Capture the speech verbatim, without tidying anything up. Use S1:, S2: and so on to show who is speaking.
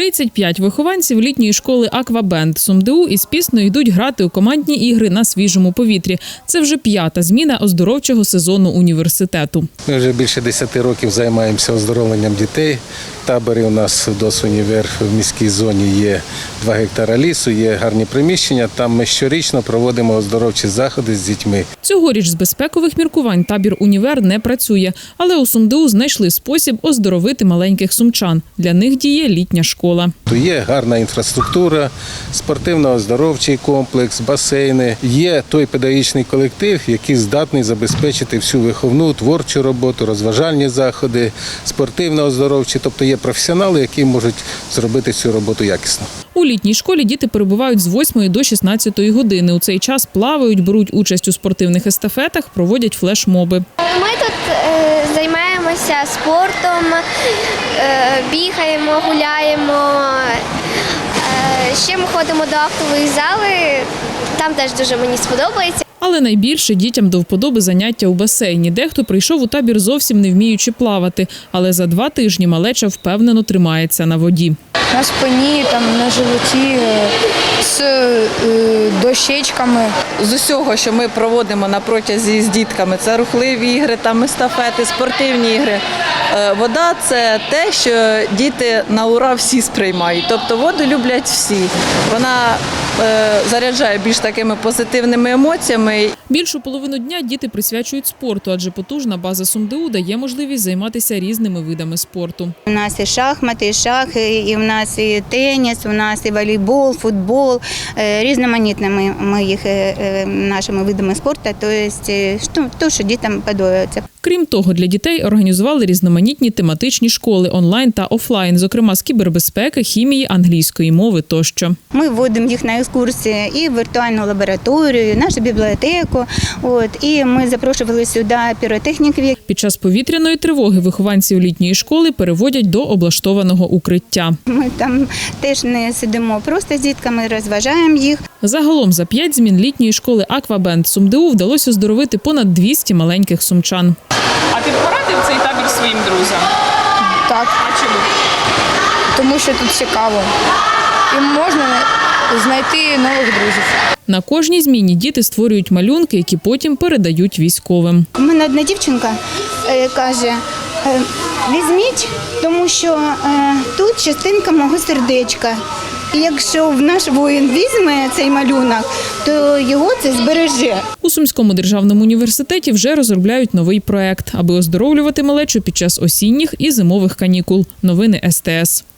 S1: тридцять п'ять вихованців літньої школи «Аквабенд» СумДУ із піснею йдуть грати у командні ігри на свіжому повітрі. Це вже п'ята зміна оздоровчого сезону університету.
S2: Ми вже більше десяти років займаємося оздоровленням дітей. Табори у нас «Досунівер» в міській зоні є два гектара лісу, є гарні приміщення. Там ми щорічно проводимо оздоровчі заходи з дітьми.
S1: Цьогоріч з безпекових міркувань табір «Універ» не працює, але у СумДУ знайшли спосіб оздоровити маленьких сумчан. Для них діє літня школа.
S2: Є гарна інфраструктура, спортивно-оздоровчий комплекс, басейни. Є той педагогічний колектив, який здатний забезпечити всю виховну, творчу роботу, розважальні заходи, спортивно-оздоровчі. Тобто є професіонали, які можуть зробити цю роботу якісно.
S1: У літній школі діти перебувають з восьмої до шістнадцятої години. У цей час плавають, беруть участь у спортивних естафетах, проводять флешмоби.
S3: Ми тут е, займаємося спортом, е, бігаємо, гуляємо. Е, ще ми ходимо до актової зали, там теж дуже мені сподобається.
S1: Але найбільше дітям до вподоби заняття у басейні. Дехто прийшов у табір зовсім не вміючи плавати, але за два тижні малеча впевнено тримається на воді.
S4: На спині, там, на животі, з дощечками.
S5: З усього, що ми проводимо на протязі з дітками, це рухливі ігри, там естафети, спортивні ігри. Вода – це те, що діти на ура всі сприймають. Тобто воду люблять всі. Вона заряджає більш такими позитивними емоціями.
S1: Більшу половину дня діти присвячують спорту, адже потужна база СумДУ дає можливість займатися різними видами спорту.
S6: У нас і шахмати, і шахи, і в нас і теніс, у нас і волейбол, футбол, різноманітними ми їх нашими видами спорту, тобто те, що дітям подобається.
S1: Крім того, для дітей організували різноманітні тематичні школи онлайн та офлайн, зокрема з кібербезпеки, хімії, англійської мови тощо.
S6: Ми вводимо їх на екскурсії і в віртуальну лабораторію, нашу бібліотеку. От, і ми запрошували сюди піротехніків.
S1: Під час повітряної тривоги вихованців літньої школи переводять до облаштованого укриття.
S6: Ми там теж не сидимо просто з дітками, розважаємо їх.
S1: Загалом за п'ять змін літньої школи «Аквабенд» СумДУ вдалося оздоровити понад двісті маленьких сумчан.
S7: А ти б порадив цей табір своїм друзям?
S4: Так.
S7: А чому?
S4: Тому що тут цікаво. І можна знайти нових друзів.
S1: На кожній зміні діти створюють малюнки, які потім передають військовим.
S6: У мене одна дівчинка е, каже, е, візьміть, тому що е, тут частинка мого сердечка. І якщо наш воїн візьме цей малюнок, то його це збереже.
S1: У Сумському державному університеті вже розробляють новий проект, аби оздоровлювати малечу під час осінніх і зимових канікул. Новини ес те ес.